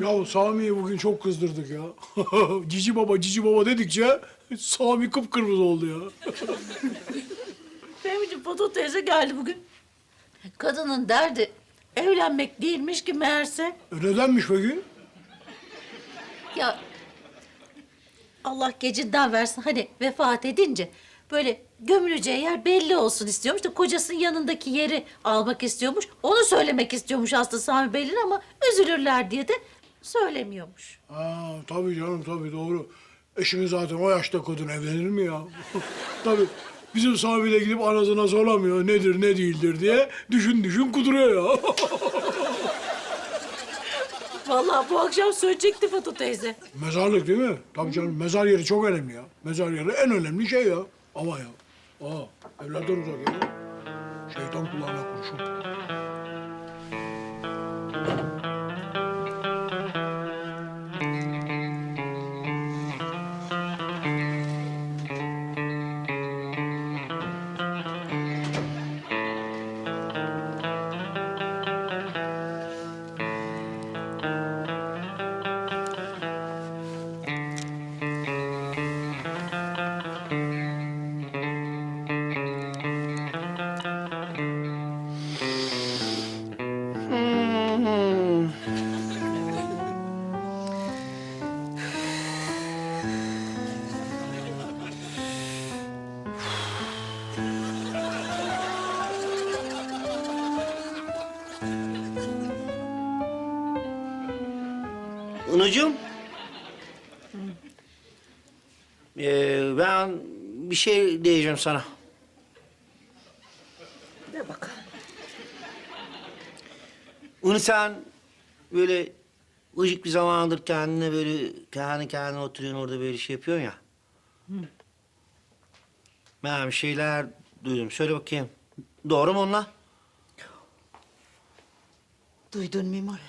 Ya Sami'yi bugün çok kızdırdık ya. Cici baba, cici baba dedikçe Sami kıpkırmızı oldu ya. Fehmi'ciğim Foto teyze geldi bugün. Kadının derdi evlenmek değilmiş ki meğerse. Nedenmiş peki? Ya Allah gecinden versin hani vefat edince böyle gömüleceği yer belli olsun istiyormuş da kocasının yanındaki yeri almak istiyormuş. Onu söylemek istiyormuş aslında Sami Bey'in ama üzülürler diye de söylemiyormuş. Ha, tabii canım, tabii doğru. Eşimi zaten o yaşta kadın evlenir mi ya? Tabii bizim Sami'yle gidip anasına soramıyor nedir ne değildir diye düşün düşün kuduruyor ya. Vallahi bu akşam söyleyecekti Foto teyze. Mezarlık değil mi? Tabii canım, mezar yeri çok önemli ya. Mezar yeri en önemli şey ya. Ama ya. Evlerden uzak ya. Şeytan kulağına kurşun. Anacığım. Ben bir şey diyeceğim sana. De bakalım. Onu sen böyle ıcık bir zamandır kendine böyle kendi oturuyorsun orada böyle şey yapıyorsun ya. Ben bir şeyler duydum. Söyle bakayım. Doğru mu onlar? Duydun Mimar?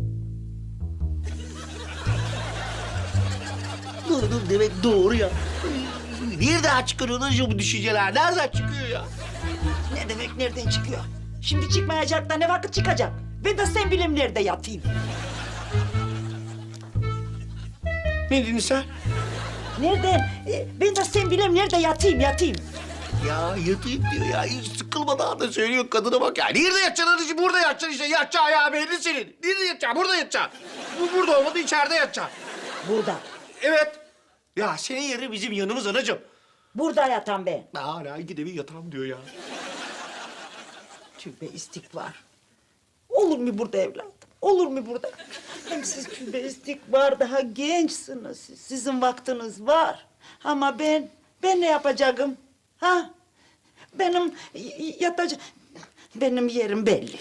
Duydum demek doğru ya. Nereden çıkıyor anacığım bu düşünceler? Nereden çıkıyor ya? Ne demek nereden çıkıyor? Şimdi çıkmayacak da ne vakit çıkacak? Ben de sen bileyim nerede yatayım. Ne dedin sen? Nereden? Ben de sen bileyim nerede yatayım. Ya yatayım diyor ya. Hiç sıkılmadan da söylüyor kadına bak ya. Nerede yatacaksın anacığım? Burada yatacaksın işte. Yatacağı ayağı belli senin. Nerede yatacaksın? Burada yatacaksın. Bu burada olmadı içeride yatacaksın. Burada. Evet. Ya senin yerin bizim yanımız anacığım. Burada yatan ben. Hala gide bir yatam diyor ya. Tövbe istikbar. Olur mu burada evladım? Olur mu burada? Hem siz tövbe istikbar daha gençsiniz. Sizin vaktiniz var. Ama ben ne yapacağım? Ha? Benim yatacağım... Benim yerim belli.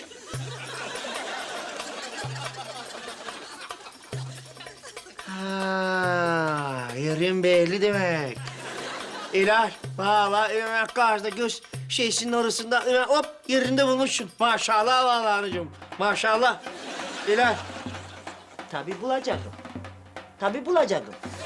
Ha, yerin belli demek. İlal, vallahi hemen karşıda göz şeysinin arasında hemen hop yerinde bulmuşsun. Maşallah vallahi anacığım. Maşallah. İlal. Tabii bulacağım. Tabii bulacağım.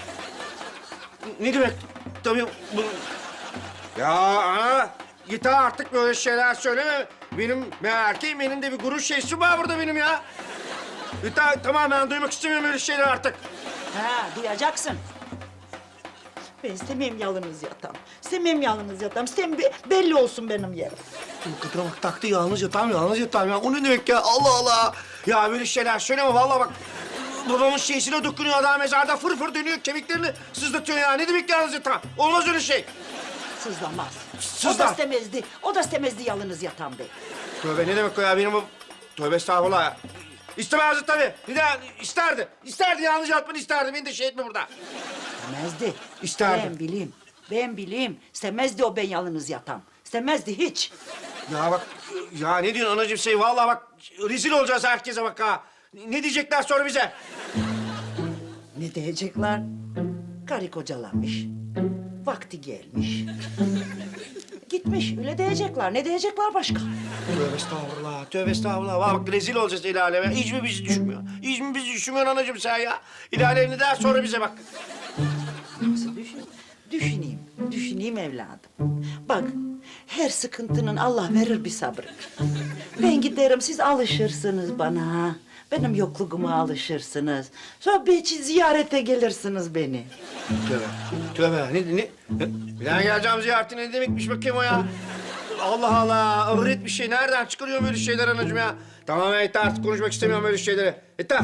Ne demek? Tabii bu... Ya ana, git artık böyle şeyler söyleme. Benim erkeğim, benim de bir gurur şeysi var burada benim ya. Tamam ben duymak istemiyorum öyle şeyler artık. Ha, duyacaksın. Ben istemeyeyim yalnız yatam. İstemeyeyim yalnız yatam. Belli olsun benim yerim. Bu kadına bak taktı yalnız yatağım ya. O ne demek ya? Allah Allah. Ya böyle şeyler söyleme vallahi bak. Babamın şeysine dokunuyor adam mezarda fır fır dönüyor kemiklerini sızlatıyor ya. Ne demek yalnız yatağım? Olmaz öyle şey. Sızlamaz. Sızlar. O da istemezdi yalnız yatam bey. Tövbe ne demek o ya benim bu... Tövbe estağfurullah ya. İstemezdi tabii. Bir de isterdi. İsterdi yalnız yatmanı isterdi. Beni de şey etme burada. İstemezdi. İsterdi. Ben bileyim. İstemezdi o ben yalnız yatam. İstemezdi hiç. Ya bak ya ne diyorsun anacığım şey vallahi bak rezil olacağız herkese bak ha. Ne diyecekler sonra bize? Ne diyecekler? Karı kocalanmış. Vakti gelmiş. Gitmiş. Öyle diyecekler. Ne diyecekler başka? Tövbe estağfurullah, tövbe estağfurullah. Bak rezil olacağız el aleme. Hiç mi bizi düşünmüyor? Hiç mi bizi düşünmüyor anacığım sen ya? El alem ne der sonra bize bak. Nasıl düşüneyim evladım. Bak, her sıkıntının Allah verir bir sabrı. Ben giderim, siz alışırsınız bana. benim yokluğuma alışırsınız. Sonra belki ziyarete gelirsiniz beni. Tövbe. Tövbe. Ne? Bir daha geleceğim ziyareti ne demekmiş bakayım o ya? Allah Allah. Öğret bir şey. Nereden çıkarıyor böyle şeyler anacığım ya? Tamam yeter artık konuşmak istemiyorum böyle şeyleri. Yeter.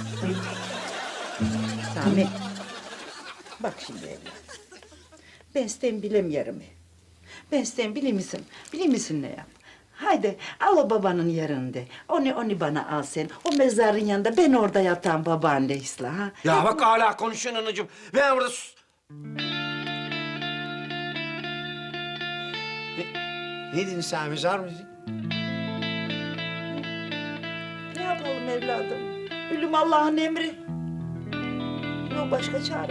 Sami, bak şimdi evladım. Ben sen bilemiyorum. Ben sen bilir misin? Bilir misin ne yap? Haydi al o babanın yerinde. Onu bana al sen. O mezarın yanında ben orada yatan babaanne isla ha. Ya bak hala konuşuyorsun anacığım. Ben burada Ne dedin sen? Mezar mı dedin? Ne yapalım evladım? Ölüm Allah'ın emri. Yok başka çare.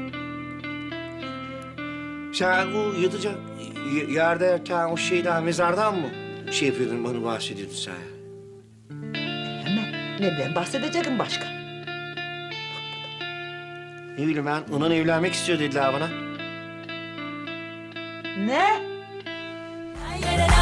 Sen o yatacak yerde yatan o şeyden, mezardan mı şey yapıyordun, bana bahsediyordun sen? Hemen neden bahsedeceğim başka? Ne bileyim ben, onunla evlenmek istiyor dediler bana. Ne? Ay,